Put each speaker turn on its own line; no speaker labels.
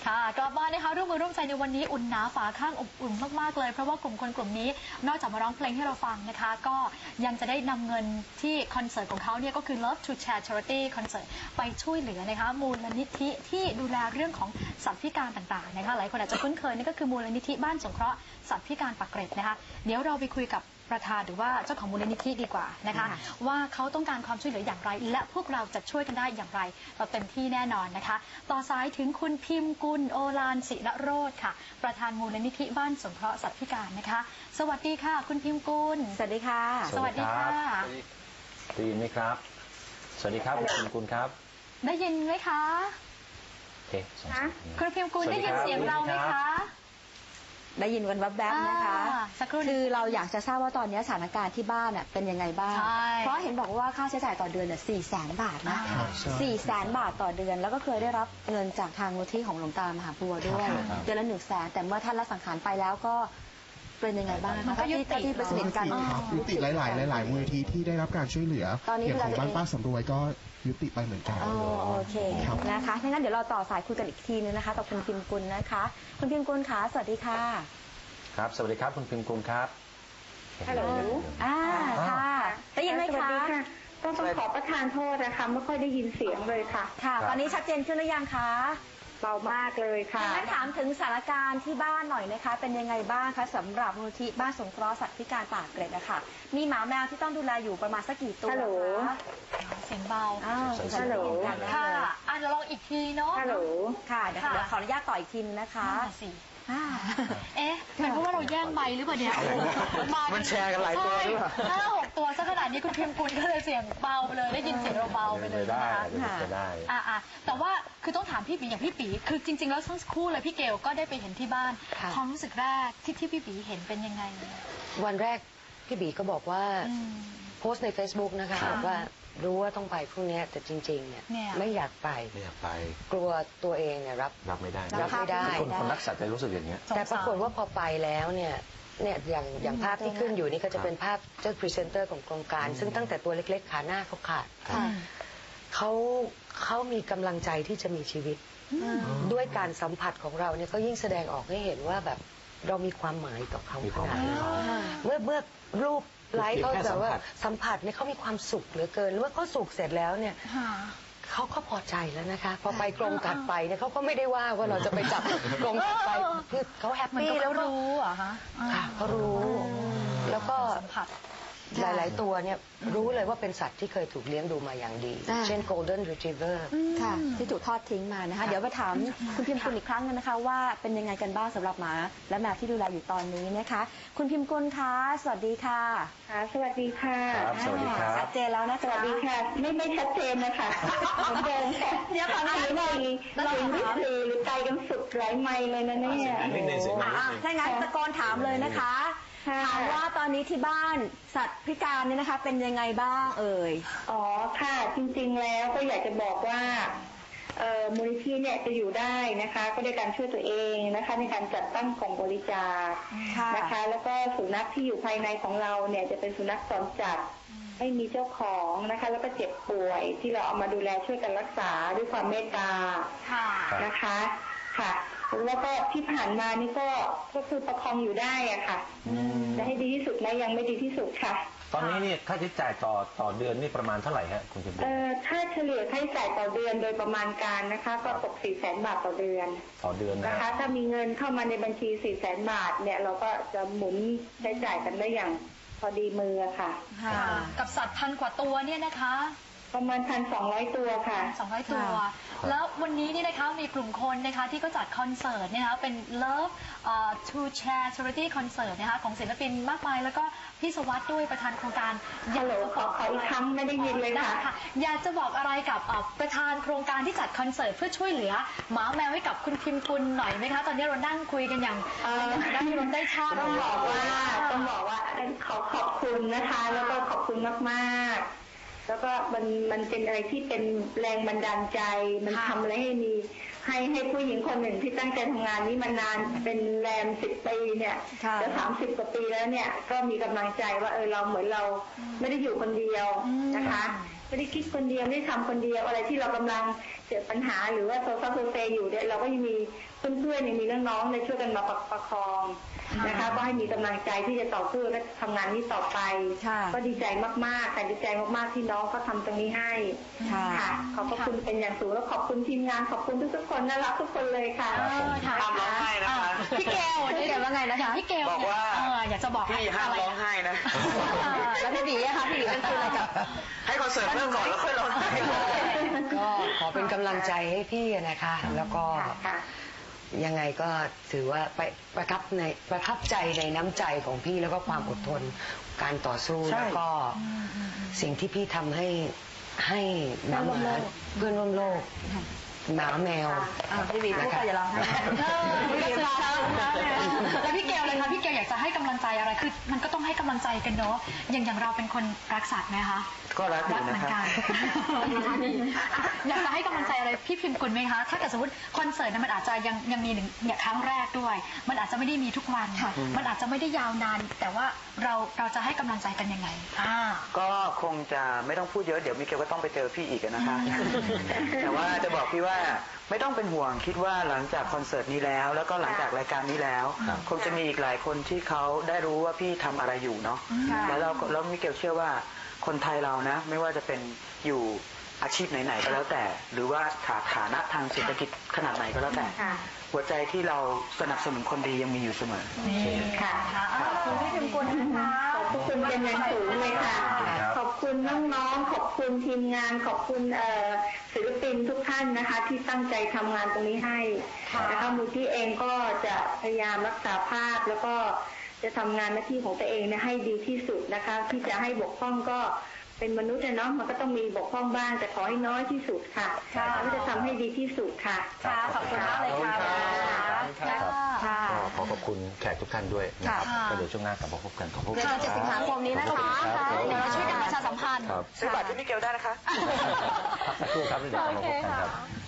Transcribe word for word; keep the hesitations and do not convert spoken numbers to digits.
ค่ะกลับมานะคะร่วมมือร่วมใจในวันนี้อุ่นหนาฝาข้างอบอุ่นมากๆเลยเพราะว่ากลุ่มคนกลุ่มนี้นอกจากมาร้องเพลงให้เราฟังนะคะก็ยังจะได้นำเงินที่คอนเสิร์ตของเขาเนี่ยก็คือ Love to Share Charity Concert ไปช่วยเหลือนะคะมูลนิธิที่ดูแลเรื่องของสัตว์พิการต่างๆนะคะหลายคนอาจจะคุ้นเคยนั่นก็คือมูลนิธิบ้านสงเคราะห์สัตว์พิการปากเกร็ดนะคะเดี๋ยวเราไปคุยกับประธานหรือว่าเจ้าของมูลนิธิดีกว่านะคะว่าเขาต้องการความช่วยเหลืออย่างไรและพวกเราจะช่วยกันได้อย่างไรเราเต็มที่แน่นอนนะคะต่อสายถึงคุณพิมพ์กุลโอฬารศิระโรจน์ค่ะประธานมูลนิธิบ้านสงเคราะห์สัตว์พิการนะคะสวัสดีค่ะคุณพิมพ์กุล
สวัสดีค่ะ
สวัสดีค่ะ
ได้ยินไหมครับสวัสดีครับคุณพิมพ์กุลครับ
ได้ยินไหมคะ
โอเค
คุณพิมพ์กุลได้ยินเสียงเราไหมคะ
ได้ยินวันแวบๆนะคะคือเราอยากจะทราบว่าตอนนี้สถานการณ์ที่บ้านเป็นยังไงบ้างเพราะเห็นบอกว่าค่าใช้จ่ายต่อเดือนเนี่ยสี่แสนบาทนะสี่แสนบาทต่อเดือนแล้วก็เคยได้รับเงินจากทางมูลที่ของหลวงตามหาบัวด้วยเดือนละหนึ่งแสนแต่เมื่อท่านละสังขารไปแล้วก็เป็นยังไงบ้างคะที่ที่ไปสนิทกัน
ยุติหลายๆหลายๆมูลนิธิที่ได้รับการช่วยเหลืออย่างของบ้านป้าสำรวยก็ยุติไปเหมือนกัน
โอเคนะคะงั้นเดี๋ยวเราต่อสายคุยกันอีกทีนึงนะคะกับคุณพิมพ์กุลนะคะคุณพิมพ์กุลคะสวัสดีค่ะ
ครับสวัสดีครับคุณพิมพ์กุลครับ
ฮัลโหลอ่าค่ะได้ยินไหมคะ
ต้องต้องขอประทานโทษนะคะไม่ค่อยได้ยินเสียงเลยค่ะ
ค่ะตอนนี้ชัดเจนขึ้นหรือยังคะ
เบามากเลยค่ะ
งั้นถามถึงสถานการณ์ที่บ้านหน่อยนะคะเป็นยังไงบ้างคะสำหรับมูลนิธิบ้านสงเคราะห์สัตว์พิการปากเกร็ดนะคะมีหมาแมวที่ต้องดูแลอยู่ประมาณสักกี่ตัวคะ
เสียงเบา
ฮัลโหล
ค่ะอ่ะเราลองอีกทีเนาะ
ฮัลโหล
ค่ะเดี๋ยวขออนุญาตต่ออีกทีนะคะ
เอ๊ะเป็นเพราะว่าเราแย่งไมค์หรือเปล่าเนี่ย
มันแชร์กันหลายตัวหรือเปล่า
ห้าหกตัวซะขนาดนี้คุณพิมพ์กุลก็เลยเสียงเบาไปเลยได้ยินเสียงเราเบาไปเลยนะคะ
ได้
อ่าแต่ว่าคือต้องถามพี่ปีอย่างพี่ปีคือจริงๆแล้วทั้งคู่เลยพี่เกลก็ได้ไปเห็นที่บ้านความรู้สึกแรกที่ที่พี่ปีเห็นเป็นยังไง
วันแรกพี่บีก็บอกว่าโพสต์ใน Facebook นะคะบอกว่ารู้ว่าต้องไปพรุ่งนี้แต่จริงๆเนี่ยไม่อยากไป
ไม่อยากไป
กลัวตัวเองเนี่ยรับ
รับไม่ได้
รับไม่ได้
คนคนรักสัตว์จะรู้สึกอย่างเงี้ย
แต่ปรากฏว่าพอไปแล้วเนี่ยเนี่ยอย่างอย่างภาพที่ขึ้นอยู่นี่ก็จะเป็นภาพเจ้าพรีเซนเตอร์ของโครงการซึ่งตั้งแต่ตัวเล็กๆขาหน้าเขาขาดเขาเขามีกำลังใจที่จะมีชีวิตด้วยการสัมผัสของเราเนี่ยก็ยิ่งแสดงออกให้เห็นว่าแบบเรามีความหมายต่อเขาขนาดนั้นเมื่อเมื่อรูปไลฟ์เขาแต่ว่าสัมผัสเนี่ยเขามีความสุขเหลือเกินเมื่อเขาสุขเสร็จแล้วเนี่ยเขาก็พอใจแล้วนะคะพอไปกรงถัดไปเนี่ยเขาก็ไม่ได้ว่าว่าเราจะไปจับกรงถัดไปคือเขาแฮปปี้แล้ว
รู้อ่ะฮะ
ค่ะเขารู้แล้วก็
สัมผัส
หลายๆตัวเนี่ยรู้เลยว่าเป็นสัตว์ที่เคยถูกเลี้ยงดูมาอย่างดีเช่น Golden Retriever
ค่ะที่ถูกทอดทิ้งมานะคะเดี๋ยวมาถามคุณพิมพ์กุลอีกครั้งนึงนะคะว่าเป็นยังไงกันบ้างสำหรับหมาและแมวที่ดูแลอยู่ตอนนี้นะคะคุณพิมพ์กุลคะสวัสดีค่ะ
ค่ะสวัสดีค่ะ
สวัสดีครับ
ชัดเจนแล้วนะ
สวัสดีค่ะไม่ไม่ชัดเจนนะคะเหมือนเดิมค่ะ
เดี๋ยวขอหน่อยหน่อย
เราเห็นวิธีหรือใจกันสุดหลายไมล์เลยนะเนี่ย
ถ้างั้นตะโกนถามเลยนะคะถามว่าตอนนี้ที่บ้านสัตว์พิการเนี่ยนะคะเป็นยังไงบ้างเอ่ย
อ๋อค่ะจริงๆแล้วก็อยากจะบอกว่ามูลนิธิเนี่ยจะอยู่ได้นะคะก็ด้วยการช่วยตัวเองนะคะในการจัดตั้งกล่องบริจาคนะคะแล้วก็สุนัขที่อยู่ภายในของเราเนี่ยจะเป็นสุนัขจรจัดไม่มีเจ้าของนะคะแล้วก็เจ็บป่วยที่เราเอามาดูแลช่วยกันรักษาด้วยความเมตตานะคะค่ะแล้วก็ที่ผ่านมานี่ก็ก็คือประคองอยู่ได้อะค่ะจะให้ดีที่สุดนะยังไม่ดีที่สุดค่ะ
ตอนนี้นี่ค่าใช้จ่ายต่อต่อเดือนนี่ประมาณเท่าไหร่ฮะคุณพิมพ์
เอ่อถ้าเฉลี่ยค่าใช้จ่ายต่อเดือนโดยประมาณการนะคะก็ตกสี่แสนบาทต่อเดือน
ต่อเดือน
นะคะถ้ามีเงินเข้ามาในบัญชีสี่แสนบาทเนี่ยเราก็จะหมุนใช้จ่ายกันได้อย่างพอดีมือค่ะ
กับสัตว์พันกว่าตัวเนี่ยนะคะ
ประมาณพันสองร้อยตัวค่ะ
สองร้อยตัวแล้ววันนี้นี่นะคะมีกลุ่มคนนะคะที่ก็จัดคอนเสิร์ตนะคะเป็น Love to Share Charity Concert นะคะของศิลปินมากมายแล้วก็พี่สวัสดิ์ด้วยประธานโครงการ
อยากจะบอกอีกครั้งไม่ได้ยินเลยค่ะ
อยากจะบอกอะไรกับประธานโครงการที่จัดคอนเสิร์ตเพื่อช่วยเหลือหมาแมวให้กับคุณพิมพ์กุลหน่อยไหมคะตอนนี้เรานั่งคุยกันอย่างได้รนได้ชาติ
ต้องบอกว่าต้องบอกว่าขอขอบคุณนะคะแล้วก็ขอบคุณมากๆแล้วก็มันมันเป็นอะไรที่เป็นแรงบันดาลใจมันทำอะไรให้มีให้ให้ผู้หญิงคนหนึ่งที่ตั้งใจทำงานนี้มานานเป็นแรมสิบปีเนี่ยจะสามสิบกว่าปีแล้วเนี่ยก็มีกำลังใจว่าเออเราเหมือนเราไม่ได้อยู่คนเดียวนะคะไม่ได้คิดคนเดียวไม่ได้ทำคนเดียวอะไรที่เรากำลังเจอปัญหาหรือว่าโซซัสโซเซอยู่เนี่ยเราก็ยังมีเพื่อนๆเนี่ยมีน้องๆเนี่ยช่วยกันมาประคองนะคะก็ให้มีกำลังใจที่จะต่อสู้และทำงานนี้ต่อไปก็ดีใจมากๆแต่ดีใจมากๆที่น้องเขาทำตรงนี้ให้ค่ะขอบพระคุณเป็นอย่างสูงแล้วขอบคุณทีมงานขอบคุณทุกๆคนน่ารักทุกคนเลยค่ะ
ห้ามร้องไห้นะคะ
พี่เกล
พี่เกลว่าไงนะคะ
พี่เกล
บอกว่า
เอออยากจะบอก
พี่ห้ามร้องไห้นะ
แล้วพี่บีอะคะพี่บีเป็นคืออะไรกับ
ให้คอนเสิร์ตเริ่มก่อนแล้วค่อยร้องไห้
ก็ขอเป็นกำลังใจให้พี่นะคะ แล้วก็ยังไงก็ถือว่าไปประทับในประทับใจในน้ำใจของพี่แล้วก็ความอดทนการต่อสู้
ใช่
แล้วก็สิ่งที่พี่ทำให้ให้หมาหมาเพื่อนร่วมโลกหมาแมว
พี่บีพูดไปอย่าร้องไห้
พี่เกลแล้วพี่เกลเลยคะพี่เกลอยากจะให้กำลังใจอะไรคือมันก็ต้องให้กำลังใจกันเนาะอย่างอย่างเราเป็นคนรักสัตว์ไหมคะ
ก็รักอ
รั
ยู่
กเหมื
นะ
อน
ครับ
กันอยากจะให้กำลังใจอะไรพี่พิมพ์กุลไหมคะถ้าเกิดสมมติคอนเสิร์ตนั้นมันอาจจะยังยังมีหนึ่งเนี่ยครั้งแรกด้วย มันอาจจะไม่ได้มีทุกวันมันอาจจะไม่ได้ยาวนาน แต่ว่าเราเราจะให้กำลังใจกันยังไงอ่า
ก็คงจะไม่ต้องพูดเยอะเดี๋ยวมิเกลก็ต้องไปเจอพี่อีกนะคะ แต่ว่าจะบอกพี่ว่าไม่ต้องเป็นห่วงคิดว่าหลังจากคอนเสิร์ตนี้แล้ว แล้วก็หลังจากรายการนี้แล้ว คงจะมีอีกหลายคนที่เขาได้รู้ว่าพี่ทำอะไรอยู่เนาะแล้วเราแล้วมิเกลเชื่อว่าคนไทยเรานะไม่ว่าจะเป็นอยู่อาชีพไหนๆก็แล้วแต่ หรือว่าฐานะทางเศรษฐกิจขนาดไหนก็แล้วแต่ หัวใจที่เราสนับสนุนคนดียังมีอยู่เสมอ
ค่ะ
ขอบคุณพี่พิมพ์กุลนะคะ
ขอบคุณเป็นอย่างสูงเลยค่ะ ขอบคุณน้องๆ ขอบคุณทีมงาน ขอบคุณเอ่อศิลปินทุกท่านนะคะ ที่ตั้งใจทำงานตรงนี้ให้นะคะมูลที่เองก็จะพยายามรักษาภาพแล้วก็จะทำงานหน้าที่ของตัวเองเนี่ยให้ดีที่สุดนะคะ ที่จะให้บกพร่องก็เป็นมนุษย์นะเนาะมันก็ต้องมีบกพร่องบ้างแต่ขอให้น้อยที่สุดค่ะแล้วจะทำให้ดีที่สุดค่ะ
ค่ะขอบคุณมากเลยค่ะ
ครับ
ค่ะ
ก็ขอขอบคุณแขกทุกท่านด้วยนะครับก็เดี๋ยวช่วงหน้ากลับมาพบกันขอบคุณ
เดือนเจ็ดสิงหาคมนี้นะคะ
เดี๋ยวเราช่วยกันประชาสัมพันธ์
ครับ
ซื้อบัตรที่มิเกลได้นะคะ
พักสักครู่ครับแล้วเดี๋ยวกลับมาพบกันครับ